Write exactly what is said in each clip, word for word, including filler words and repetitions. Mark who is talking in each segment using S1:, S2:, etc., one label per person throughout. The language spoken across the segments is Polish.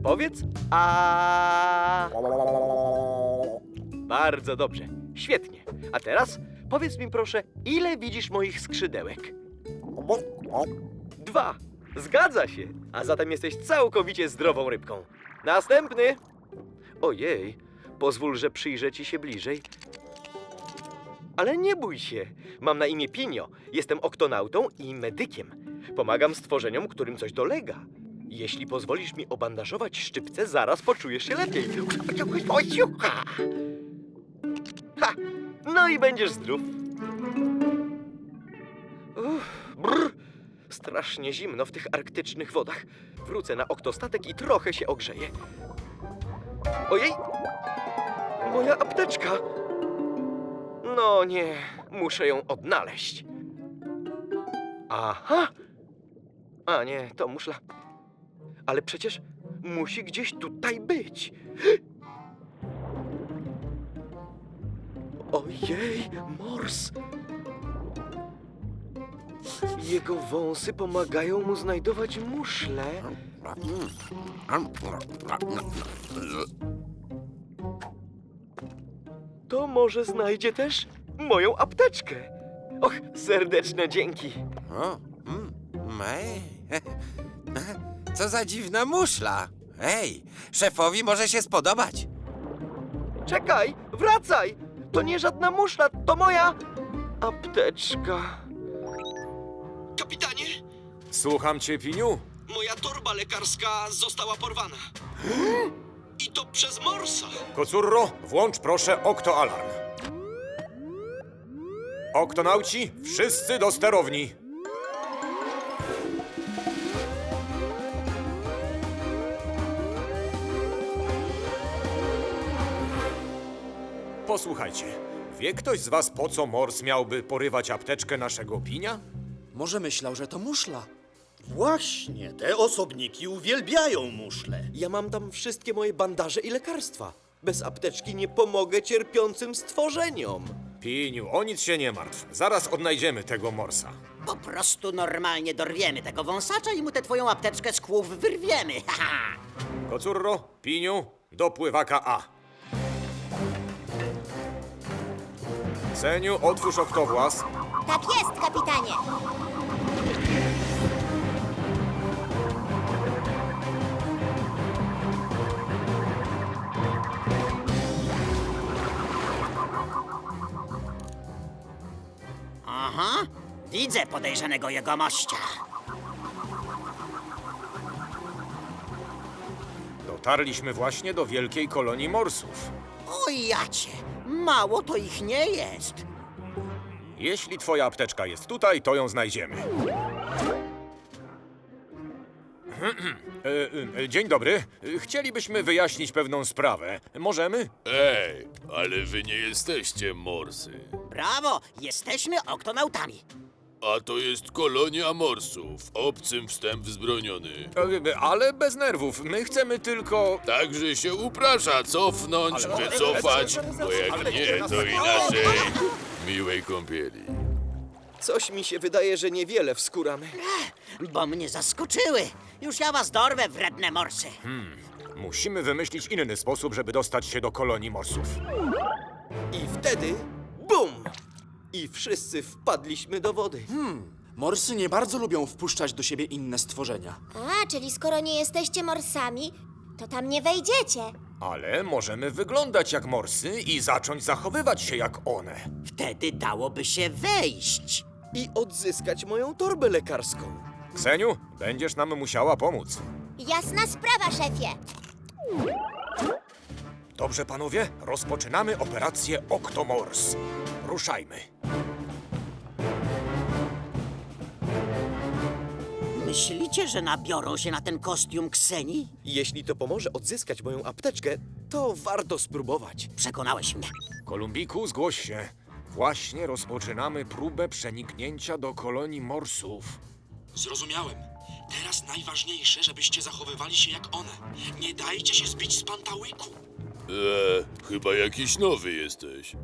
S1: Powiedz a. Bardzo dobrze, świetnie. A teraz powiedz mi proszę, ile widzisz moich skrzydełek? Dwa. Zgadza się. A zatem jesteś całkowicie zdrową rybką. Następny. Ojej, pozwól, że przyjrzę ci się bliżej. Ale nie bój się. Mam na imię Pinio. Jestem oktonautą i medykiem. Pomagam stworzeniom, którym coś dolega. Jeśli pozwolisz mi obandażować szczypce, zaraz poczujesz się lepiej. Ha! No i będziesz zdrów. Uff, brr. Strasznie zimno w tych arktycznych wodach. Wrócę na oktostatek i trochę się ogrzeję. Ojej! Moja apteczka! No nie, muszę ją odnaleźć. Aha! A nie, to muszla. Ale przecież musi gdzieś tutaj być. Ojej, mors! Jego wąsy pomagają mu znajdować muszle. To może znajdzie też moją apteczkę. Och, serdeczne dzięki.
S2: O, mm, ej. Co za dziwna muszla. Ej, szefowi może się spodobać.
S1: Czekaj, wracaj! To nie żadna muszla, to moja apteczka. Kapitanie,
S3: Słucham cię, Piniu.
S1: moja torba lekarska została porwana. I to przez morsa.
S3: Kocurro, włącz proszę oktoalarm. Oktonauci, wszyscy do sterowni. Posłuchajcie, wie ktoś z was, po co mors miałby porywać apteczkę naszego Pinia?
S4: Może myślał, że to muszla.
S5: Właśnie, te osobniki uwielbiają muszle.
S1: Ja mam tam wszystkie moje bandaże i lekarstwa. Bez apteczki nie pomogę cierpiącym stworzeniom.
S3: Piniu, o nic się nie martw. Zaraz odnajdziemy tego morsa.
S6: Po prostu normalnie dorwiemy tego wąsacza i mu tę twoją apteczkę z kłów wyrwiemy. Haha.
S3: Kocurro, Piniu, do pływaka A. Seniu, otwórz oktowłas.
S7: Tak jest, kapitanie.
S6: Aha, widzę podejrzanego jegomościa.
S3: Dotarliśmy właśnie do wielkiej kolonii morsów.
S6: O jacie, mało to ich nie jest.
S3: Jeśli twoja apteczka jest tutaj, to ją znajdziemy. E, e, Dzień dobry. Chcielibyśmy wyjaśnić pewną sprawę. Możemy?
S8: Ej, ale wy nie jesteście morsy.
S6: Brawo, jesteśmy oktonautami.
S8: A to jest kolonia morsów. Obcym wstęp wzbroniony.
S3: E, Ale bez nerwów. My chcemy tylko...
S8: Także się uprasza cofnąć,
S3: Ale-
S8: wycofać,
S3: ale-
S8: bo jak
S3: ale-
S8: nie, to inaczej miłej kąpieli.
S1: Coś mi się wydaje, że niewiele wskóramy.
S6: Bo mnie zaskoczyły. Już ja was dorwę, wredne morsy.
S3: Musimy wymyślić inny sposób, żeby dostać się do kolonii morsów.
S1: I wtedy bum! I wszyscy wpadliśmy do wody.
S4: Morsy nie bardzo lubią wpuszczać do siebie inne stworzenia.
S7: A, czyli skoro nie jesteście morsami, to tam nie wejdziecie.
S3: Ale możemy wyglądać jak morsy i zacząć zachowywać się jak one.
S6: Wtedy dałoby się wejść.
S1: I odzyskać moją torbę lekarską.
S3: Kseniu, będziesz nam musiała pomóc.
S7: Jasna sprawa, szefie.
S3: Dobrze, panowie, rozpoczynamy operację Oktomors. Ruszajmy.
S6: Myślicie, że nabiorą się na ten kostium Kseni?
S1: Jeśli to pomoże odzyskać moją apteczkę, to warto spróbować.
S6: Przekonałeś mnie.
S3: Kolumbiku, zgłoś się. Właśnie rozpoczynamy próbę przeniknięcia do kolonii morsów.
S9: Zrozumiałem. Teraz najważniejsze, żebyście zachowywali się jak one. Nie dajcie się zbić z pantałyku.
S8: Eee, chyba jakiś nowy jesteś.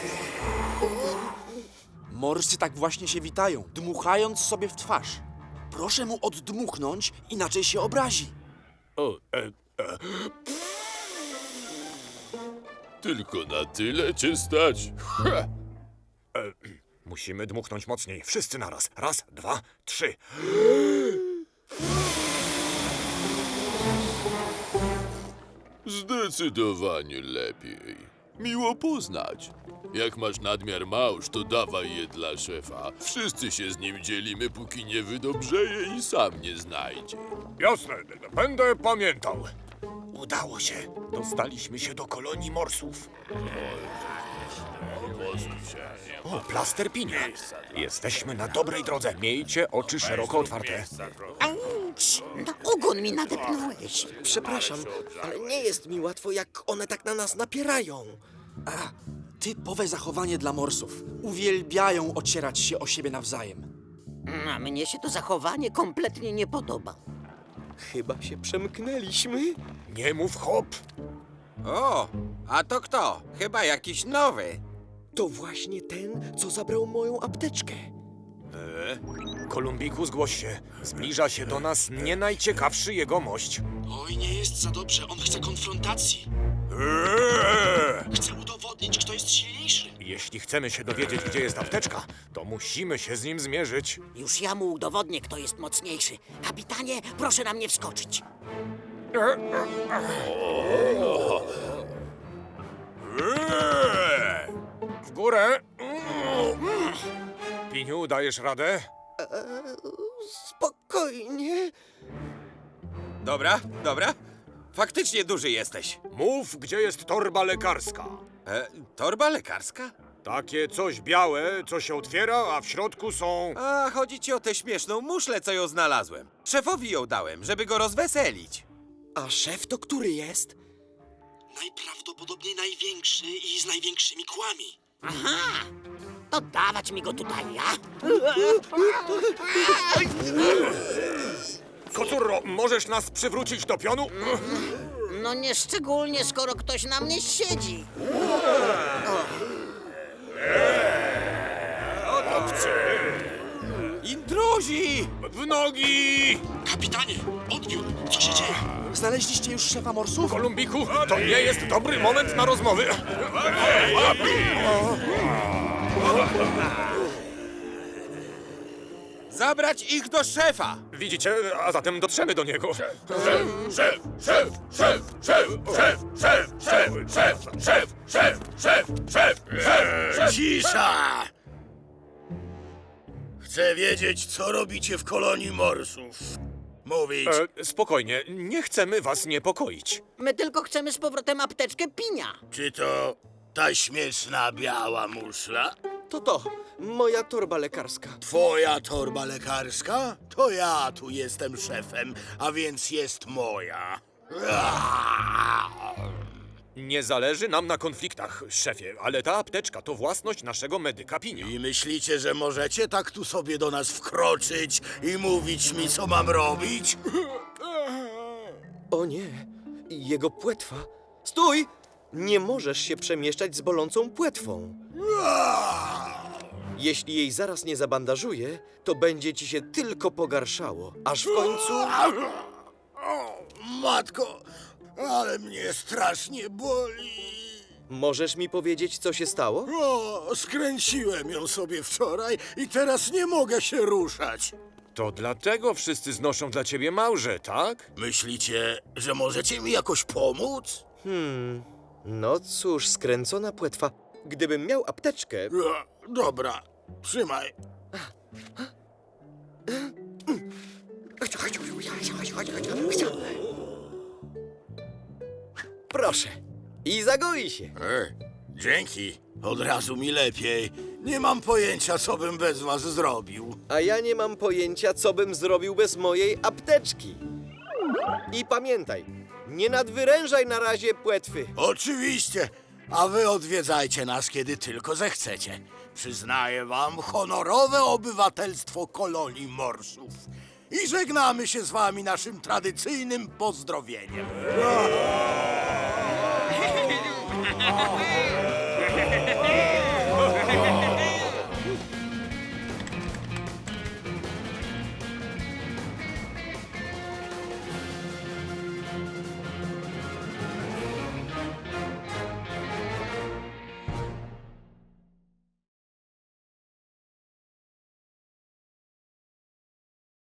S4: Morsy tak właśnie się witają, dmuchając sobie w twarz. Proszę mu oddmuchnąć, inaczej się obrazi.
S3: O, e, e,
S8: Tylko na tyle cię stać. Ha!
S3: musimy dmuchnąć mocniej. Wszyscy naraz. Raz, dwa, trzy.
S8: Zdecydowanie lepiej. Miło poznać. Jak masz nadmiar małż, to dawaj je dla szefa. Wszyscy się z nim dzielimy, póki nie wydobrzeje i sam nie znajdzie.
S3: Jasne, będę pamiętał. Udało się. Dostaliśmy się do kolonii morsów. O, plaster pinia. Jesteśmy na dobrej drodze. Miejcie oczy szeroko otwarte.
S6: Auć! Na ogon mi nadepnąłeś.
S1: Przepraszam, ale nie jest mi łatwo, jak one tak na nas napierają.
S4: Typowe zachowanie dla morsów. Uwielbiają ocierać się o siebie nawzajem.
S6: A mnie się to zachowanie kompletnie nie podoba.
S1: Chyba się przemknęliśmy.
S3: Nie mów hop.
S2: O, a to kto? Chyba jakiś nowy.
S1: To właśnie ten, co zabrał moją apteczkę.
S3: Kolumbiku, zgłoś się. Zbliża się do nas nie najciekawszy jegomość.
S9: Oj, nie jest za dobrze, on chce konfrontacji.
S3: Eee!
S9: Chce udowodnić, kto jest silniejszy.
S3: Jeśli chcemy się dowiedzieć, gdzie jest apteczka, to musimy się z nim zmierzyć.
S6: Już ja mu udowodnię, kto jest mocniejszy. Kapitanie, proszę na mnie wskoczyć.
S3: Eee! W górę. Piniu, dajesz radę?
S1: Spokojnie.
S2: Dobra, dobra. Faktycznie duży jesteś.
S3: Mów, gdzie jest torba lekarska.
S2: E, torba lekarska?
S3: Takie coś białe, co się otwiera, a w środku są...
S2: A, chodzi ci o tę śmieszną muszlę, co ją znalazłem. Szefowi ją dałem, żeby go rozweselić.
S1: A szef to który jest?
S9: Najprawdopodobniej największy i z największymi kłami.
S6: Aha! To dawać mi go tutaj, ja?
S3: Kocurro, możesz nas przywrócić do pionu?
S6: No nie szczególnie, skoro ktoś na mnie siedzi.
S2: Intruzi!
S3: W nogi!
S9: Kapitanie, odbiór, co się dzieje?
S4: Znaleźliście już szefa morsów?
S3: Kolumbiku, to nie jest dobry moment na rozmowy.
S2: Zabrać ich do szefa!
S3: Widzicie, a zatem dotrzemy do niego.
S8: Szef, szef, szef, szef, szef, szef, szef, szef, szef, szef, szef, szef, szef, szef.
S5: Cisza! Chcę wiedzieć, co robicie w kolonii morsów. Mówić.
S3: E, spokojnie, nie chcemy was niepokoić.
S6: My tylko chcemy z powrotem apteczkę pinia.
S5: Czy to ta śmieszna biała muszla?
S1: To to, moja torba lekarska.
S5: Twoja torba lekarska? To ja tu jestem szefem, a więc jest moja.
S3: Nie zależy nam na konfliktach, szefie, ale ta apteczka to własność naszego medyka Pinia.
S5: I myślicie, że możecie tak tu sobie do nas wkroczyć i mówić mi, co mam robić?
S1: O nie, jego płetwa. Stój! Nie możesz się przemieszczać z bolącą płetwą. Jeśli jej zaraz nie zabandażuję, to będzie ci się tylko pogarszało, aż w końcu...
S5: O, matko, ale mnie strasznie boli.
S1: Możesz mi powiedzieć, co się stało?
S5: O, skręciłem ją sobie wczoraj i teraz nie mogę się ruszać.
S3: To dlatego wszyscy znoszą dla ciebie małże, tak?
S5: Myślicie, że możecie mi jakoś pomóc?
S1: No cóż, skręcona płetwa. Gdybym miał apteczkę...
S5: E, dobra, trzymaj.
S1: Proszę. I zagoi się.
S5: E, dzięki, od razu mi lepiej. Nie mam pojęcia, co bym bez was zrobił.
S1: A ja nie mam pojęcia, co bym zrobił bez mojej apteczki. I pamiętaj, nie nadwyrężaj na razie płetwy.
S5: Oczywiście, a wy odwiedzajcie nas, kiedy tylko zechcecie. Przyznaję wam honorowe obywatelstwo kolonii morsów. I żegnamy się z wami naszym tradycyjnym pozdrowieniem.